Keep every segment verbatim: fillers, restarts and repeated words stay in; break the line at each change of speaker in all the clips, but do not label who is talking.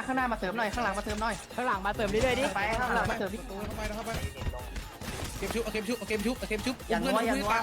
ข้างหน้ามาเสริมหน่อยข้างหลังมาเสริมหน่อยข้างหลังมาเสริมดิเลยดิไปข้างหลังมาเสริมดิ
เข้าไปเข้าไปเกมชุบเกมชุบเกมชุบเกมชุบ
อย่านัวอย่านัว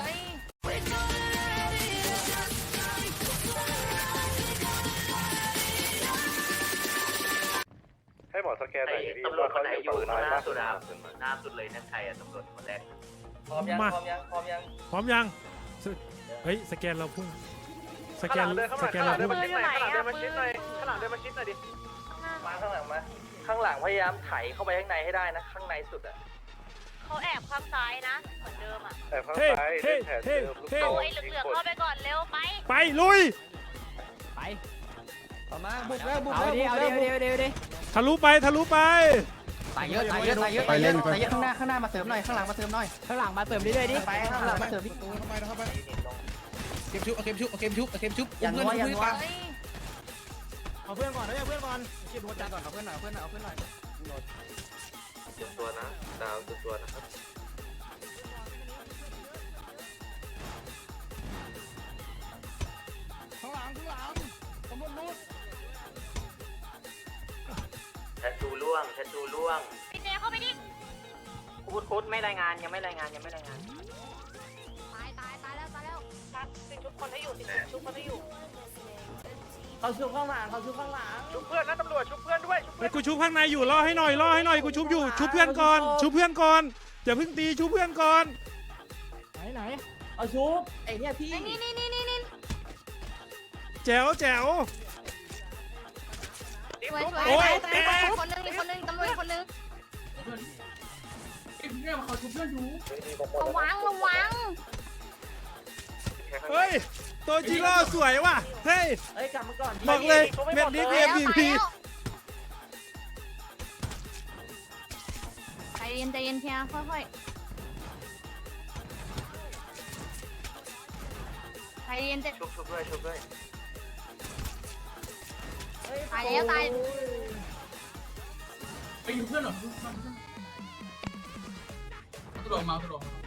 ให้หมอสแกนหน่อยดิ
ตำรวจคนไหนอยู่หน้าสุดาหน้าสุดเลยนั่นใครอะตำรวจคนแรก
พร้อมยังพร้อมยังพร้อมยัง
พร้อมยังเฮ้ยสแกนเราพุ่งสแกนสแกนเราพุ่ง
ข้างหลังเดินมาชิดหน่อยข้างหลังเดินมาชิดหน่อยดิมาข้างหลังมาข้างหลังพยายามไถเข้าไปข้างในให้ได้นะข้างในสุดอ่ะ
เขาแอบข้างซ้ายนะเหมือนเดิมอ่ะ
แต่ข้าง
เฮ้
ซ้าย
เฮ้
เล่นแผน
เฮ้
เดิมลูก
เฮ้
โป่
เอาไอ้เหลืองๆเข้าไปก่อนเร็วไป
ไปลุย
ไปต่อมาบุกแล้วบุกแล้วบุกแล้วบุกแล้ว
ทะลุไปทะลุไป
ตายเยอะตายเยอะตายเยอะตายเยอะตายเยอะข้างหน้าข้างหน้ามาเสริมหน่อยข้างหลังมาเสริมหน่อยข้างหลังมาเสริมดิเลยดิไปข้างหลังมาเสริมดิ
เข้าไปเข้าไปเกมชุบเกมชุบเกมชุบเกมชุบ
อย่านัวอย่านัว
เฮ้ย
เอาเพื่อนก่อนเอาเพื่อนก่อนเก็บหัวใจก่อนเอาเพื่อนหน่อยเอาเพื่อนหน่อยเอาเพื่อนหน่อย
จุดตัวนะดาวจุดตัวนะครับ
ข้างหลังข้างหลังตำรวจนู้น
แททูล่วงแททูล่วง
พี่เจเข้าไปดิ
พูดโค้ดไม่รายงานยังไม่รายงานยังไม่รายงาน
ตายตายตายแล้วตายแล้วติดชุบคนให้อยู่ติดชุบคนให้อยู่
เขาชุบข้างหลังเขาชุบข้างหลัง
ไอ้กูชุบข้างในอยู่รอให้หน่อยรอให้หน่อยกูชุบอยู่ชุบเพื่อนก่อนชุบเพื่อนก่อนอย่าเพิ่งตีชุบเพื่อนก่อนไหนไหน
เอาชุบไอ้เนี่ยพี่
นี่นี่นี่นี่นี่
แจ๋วแจ๋ว
สวยสวย
โอ้ย
ตายตายคนนึงอีกคนนึงตำรวจคนนึงระวังระวัง
เฮ้ยตัวจีโร่สวยว่ะเฮ้ย
เอ้ยกลับมาก่อน
บอกเลยเม็ดนี้
ตาย
เอ็ม
แล้ว
วี
ตายแล้วใจเย็นใจเย็นเพียค่อยๆใจเย็นใจ
ชุบชุบด้วยชุบด้วย
ตายแล้วตาย
ไปอยู่เพื่อนหรอตำรวจมาตำรวจมา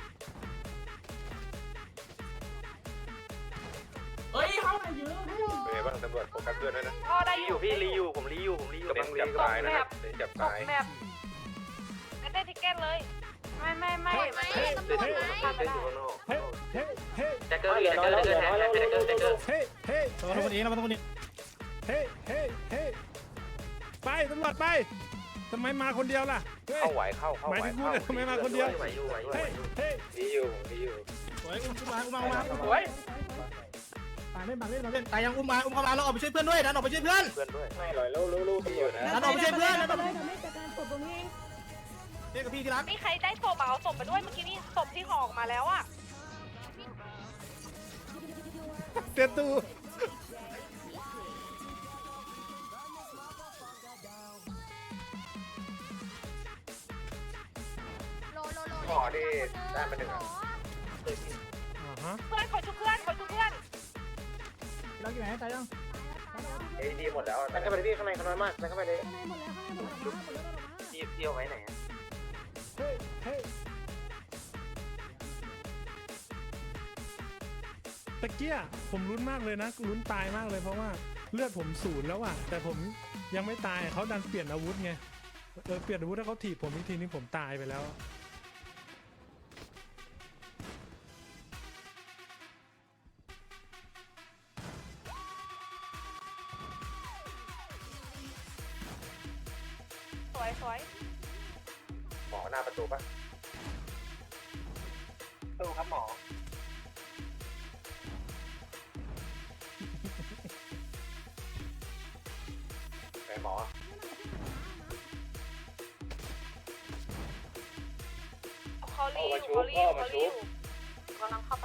เฮ้ยห้องไหนเยอะ
เป็นไงบ้างตำรวจโฟกัสเพื่อนด้วยนะ
พ่อได้
รีอยู่พี่รีอยู่ผมรีอยู่ผมรีอยู่
เน้นจับตายนะครับเน้นจับตาย
แบบไม่ได้ทิกเก็ตเลยไม่ไม่ไม่ไม่ตำรวจไหม
เต้นอยู่ข้างนอก
เฮ้ยเฮ้ยเฮ้ย
แจ็คเกอร์แจ็คเกอร์แจ็คเกอร์แทนแจ็คเกอร์แจ็คเกอร์
เฮ้ยเฮ้ย
เราต้องคนนี้เราต้องคนนี้
เฮ้ยเฮ้ยเฮ้ยไปตำรวจไปทำไมมาคนเดียวล่ะเฮ้ย
เข้าไหวเข้าเข้า
หมาย
ไหว
ถึงกู
เข้า
เนี่ยทำไมมาคนเดียว
ไหวอยู่ไหวอยู่ไหว
เฮ้ย
อยู่
เฮ้ย
ดีอยู่ดีอยู่
สวยอุ้มมาอุ้มมาอุ้มมา
สวย
มาเล่นมาเล่นมาเล่น
ตายยังอุ้มมาอุ้มเข้ามาเราออกไปช่วยเพื่อนด้วยดันออกไปช่วยเพื่อน
เพื่อนด้วยไม่ลอยลู่ลู่ลู่ดีอยู่นะ
ดันออกไปช่วยเพื่อนดันออกไปเรียกกับพี่ที่รัก
นี่ใครได้ศพเอาศพมาด้วยเมื่อกี้นี่ศพที่ห่อออกมาแล้วอ่ะ
เต็มตู
โลโลโล
หมอที่ได้มาหนึ่งอ่ะ
อ่าฮะ
เพื่อนขอชุบเพื่อนขอชุบเพื่อน
เราอยู่ไหนตายยัง
เอดีหมดแล้ว
นั่นเข้าไปพี่ข้างในเขาน้อยมากนั่นเข้าไปเลย
พี่พี่เอาไว้ไหน
เฮ้ยเฮ้ยตะเกียผมลุ้นมากเลยนะลุ้นตายมากเลยเพราะว่าเลือดผมศูนย์แล้วอะแต่ผมยังไม่ตายเขาดันเปลี่ยนอาวุธไงเออเปลี่ยนอาวุธถ้าเขาถีบผมอีกทีนี้ผมตายไปแล้ว
สวยสวย
หมอหน้าประตูปะตู้ครับหมอไหนหมอ
เขารีอยู่เขารีอยู่เขารีอยู่กำลังเข้าไป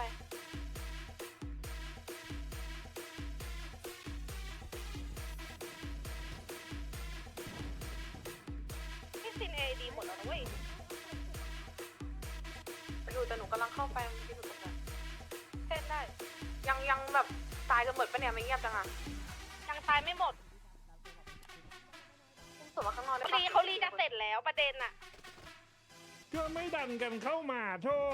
พี่ซินเอดีหมดแล้วนะเว้ยอยู่แต่หนูกำลังเข้าไปที่หนูตรงนั้นเต้นได้ยังยังแบบตายกันหมดปะเนี่ยไม่เงียบจังอ่ะยังตายไม่หมดส่วนมาข้างนอกได้ปะเขารีจะเสร็จแล้วประเด็นอะ
ก็ไม่ดันกันเข้ามาโธ่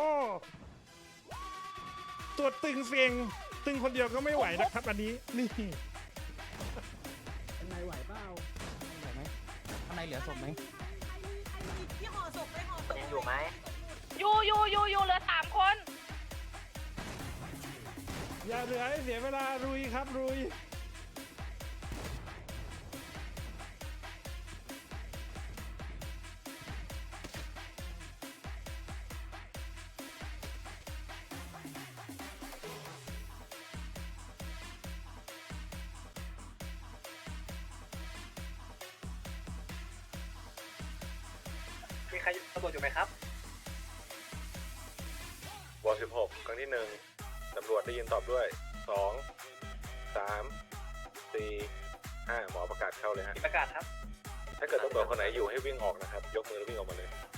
ตัวตึงเสียงตึงคนเดียวก็ไม่ไหวนะครับอันนี้นี่เป็นไงไหวเปล่า
ในเหลือศพไหม
ยังอยู่ไหม
อยู่อยู่อยู่อยู่เหลือสามคน
อย่าเหลือให้เสียเวลารุยครับรุย
มีใครตำรวจอยู่ไหมครับ
วอสิบหกครั้งที่หนึ่งตำรวจได้ยินตอบด้วยสองสามสี่ห้าหมอประกาศเข้าเลยฮะ
มีประกาศครับ
ถ้าเกิดตำรวจคนไหนอยู่ให้วิ่งออกนะครับ ยกมือแล้ววิ่งออกมาเลย